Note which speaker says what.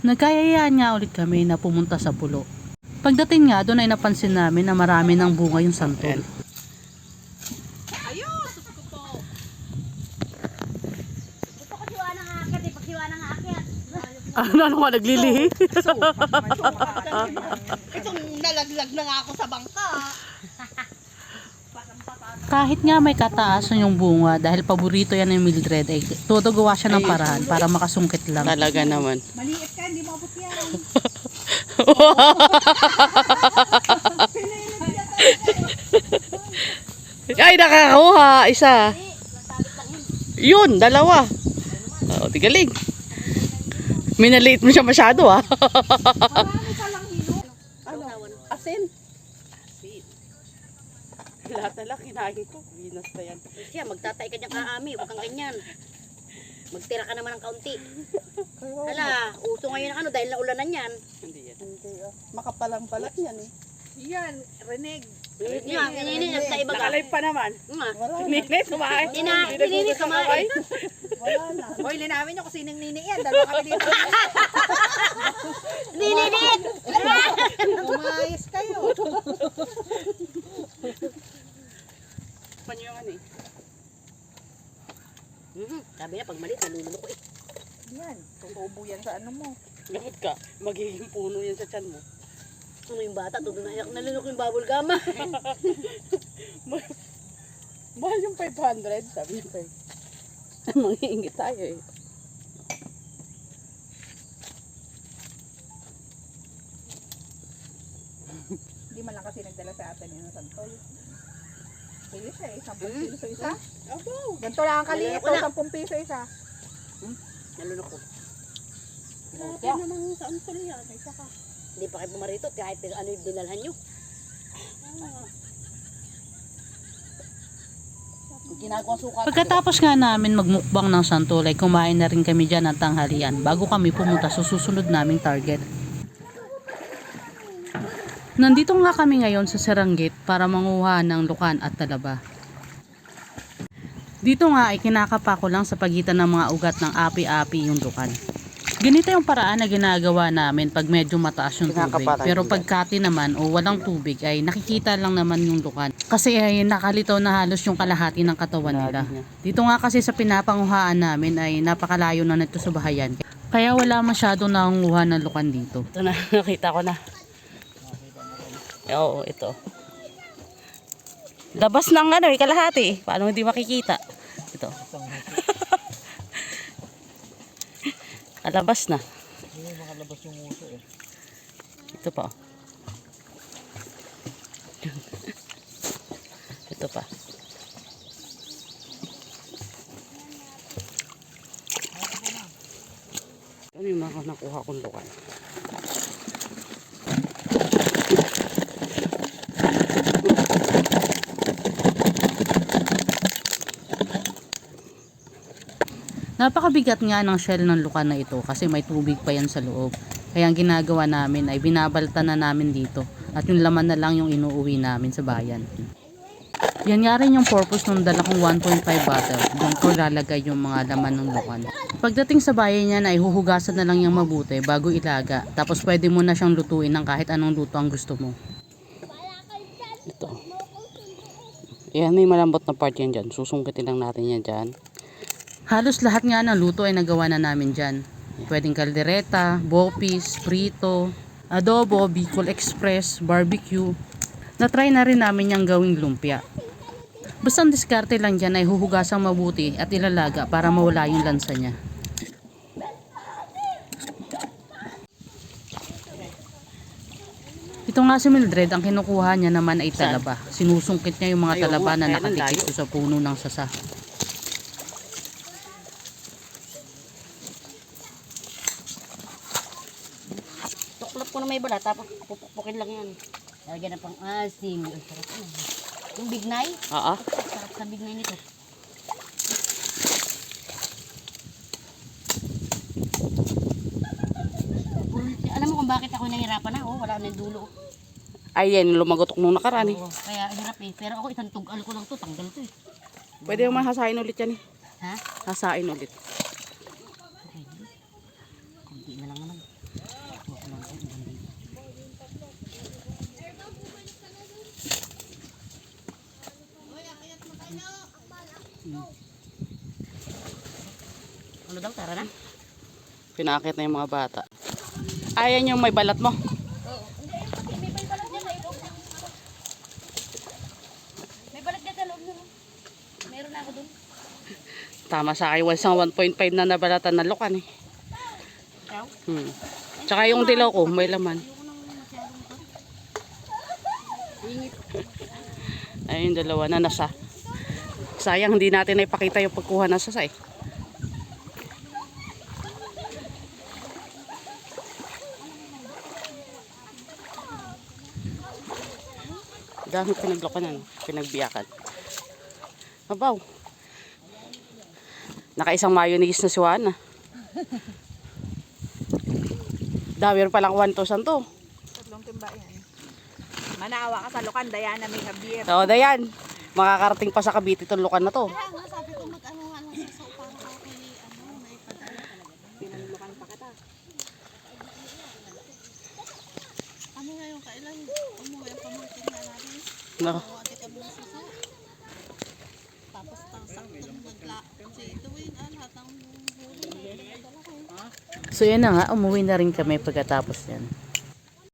Speaker 1: Nagkayayaan nga ulit kami na pumunta sa pulo. Pagdating nga doon ay napansin namin na marami ng bunga yung santol.
Speaker 2: Ayun! Sus ko po!
Speaker 3: Gusto ko siwa ng akit eh. Pag siwa ng akit.
Speaker 1: Ano nga naglilihi?
Speaker 2: Itong nalaglag na nga ako sa bangka.
Speaker 1: Kahit nga may kataasan yung bunga dahil paborito yan ng Mildred ay todo gawa siya ng paraan para makasungkit lang.
Speaker 4: Talaga naman.
Speaker 2: Maliit ka, hindi mo abot yan.
Speaker 4: Ay, nakakakuha. Isa. Yun, dalawa. Oh, tigaling. Minaliit mo siya masyado ah.
Speaker 2: Marami ka lang hilo. Ano? Asin?
Speaker 4: Lahat na lang kinain ko. Binas na yan.
Speaker 3: Siya, magtatay ka dyan kaami. Huwag kang ganyan. Magtira ka naman ng kaunti. Hala, uso ngayon ang ano dahil naulanan yan.
Speaker 4: Hindi yan.
Speaker 2: Makapalang balat yan eh. Yan, Reneg.
Speaker 3: Yan, inininit sa iba ka.
Speaker 4: Nakalive pa naman.
Speaker 3: Nga.
Speaker 2: Wala na.
Speaker 4: Nini, kumain.
Speaker 3: Inininit kumain.
Speaker 2: Wala na. Hoy, linawin nyo kung sinong nini yan. Dalawa kami dito.
Speaker 3: Inininit!
Speaker 2: Umayos kayo.
Speaker 4: Panyungan eh.
Speaker 3: Sabi niya, pag maliit, nalululo ko eh.
Speaker 2: Yan, tutubo yan sa ano mo.
Speaker 4: Lahat ka. Magiging puno yan sa tiyan mo.
Speaker 3: Ano yung bata, todo na iyak, nalulok yung bubble gum.
Speaker 4: Mahal yung 500. Sabi niya 5. Mangiingit tayo eh.
Speaker 2: Hindi man lang kasi nagdala sa atin yung santol. Kilo siya eh, 10 kilo sa isa.
Speaker 4: Abo.
Speaker 2: Ganito lang ang kaliit,
Speaker 3: Wala.
Speaker 2: 10 piso isa.
Speaker 3: Nalulok ko.
Speaker 4: Kaya naman sa antol yan. Ay saka.
Speaker 3: Hindi pa kayo pumarito kahit ano yung dinalhan nyo. Ginagawa suka.
Speaker 1: Pagkatapos nga namin magmukbang ng santol ay kumain na rin kami dyan ng tanghalian bago kami pumunta sa susunod naming target. Nandito nga kami ngayon sa Seranggit para manguha ng lukan at talaba. Dito nga ay kinakapa ko lang sa pagitan ng mga ugat ng api-api yung lukan. Ganito yung paraan na ginagawa namin pag medyo mataas yung tubig. Pero pagkati naman o walang tubig ay nakikita lang naman yung lukan. Kasi ay nakalitaw na halos yung kalahati ng katawan nila. Dito nga kasi sa pinapanguhaan namin ay napakalayo na nito sa bahayan. Kaya wala masyadong nangunguha ng lukan dito.
Speaker 4: Ito na, nakita ko na. Oo, ito. Labas ng ano eh, kalahati. Paano hindi makikita? Ito. Kalabas na.
Speaker 5: Makalabas yung uso eh.
Speaker 4: Ito pa. Ito pa. Ano yung mga nakuha kong lukan?
Speaker 1: Napakabigat nga ng shell ng lukan na ito kasi may tubig pa yan sa loob. Kaya ang ginagawa namin ay binabalta na namin dito at yung laman na lang yung inuuwi namin sa bayan. Yan nga rin yung purpose ng dala kong 1.5 bottle. Doon ko lalagay yung mga laman ng lukan. Pagdating sa bayan niya ay huhugasan na lang yung mabuti bago ilaga. Tapos pwede mo na siyang lutuin ng kahit anong luto ang gusto mo.
Speaker 4: Ito. Yan, may malambot na part yan dyan. Susungkitin lang natin yan dyan.
Speaker 1: Halos lahat nga ng luto ay nagawa na namin dyan. Pwedeng kaldereta, bopis, prito, adobo, Bicol Express, barbecue. Na-try na rin namin yung gawing lumpia. Basta ang diskarte lang dyan ay huhugasang mabuti at ilalaga para mawala yung lansa niya. Ito nga si Mildred, ang kinukuha niya naman ay talaba. Sinusungkit niya yung mga talaba na nakatikit sa puno ng sasa.
Speaker 3: Tuklap ko na may balat, tapos pupukpukin lang yan. Lagyan na pang asim. Ang sarap na. Yung bignay,
Speaker 4: Oo.
Speaker 3: sarap sa bignay nito. Alam mo kung bakit ako nahihirapan na? Oh, wala na yung dulo.
Speaker 4: Ay, yan, lumagotok nung nakaraan eh.
Speaker 3: Oo, kaya hirap eh. Pero ako isang tugal ko lang to, tanggal to eh.
Speaker 4: Pwede yung mahasain ulit yan eh.
Speaker 3: Ha?
Speaker 4: Hasain ulit.
Speaker 3: Okay. Kunti na lang naman. daw, tara na.
Speaker 4: Pinakit na yung mga bata. Ayan yung may balat mo.
Speaker 3: May balat ka sa loob nun. Meron na ako dun.
Speaker 4: Tama sa akin, isang 1.5 na nabalatan na lukan eh.
Speaker 3: Ikaw?
Speaker 4: Tsaka yung dilaw ko, may laman. Ayun, yung dalawa na nasa. Sayang, hindi natin ipakita yung pagkuha na sasa eh. Dami pinaglokanan, pinagbiyakan. Abaw. Nakaisang mayonnaise na si Juana. Dami rin palang 1,000 to.
Speaker 2: Tatlong timba yan. Manawa ka sa Lucan, Diana, may Javier.
Speaker 4: So, Dayan, makakarating pa sa Cavite itong lukan na to.
Speaker 3: Kaya nga, sabi ko mag-ano nga lang sa sopa ko kay naipadala.
Speaker 2: Pinanlukan pa kita.
Speaker 3: Kami ngayon kailan umuwi ang pamangkin na namin.
Speaker 4: No.
Speaker 3: Ate kami ng suso. Tapos saktong nagla. Kasi ito lahat ng huli.
Speaker 1: So yan na nga, umuwi na rin kami pagkatapos yan.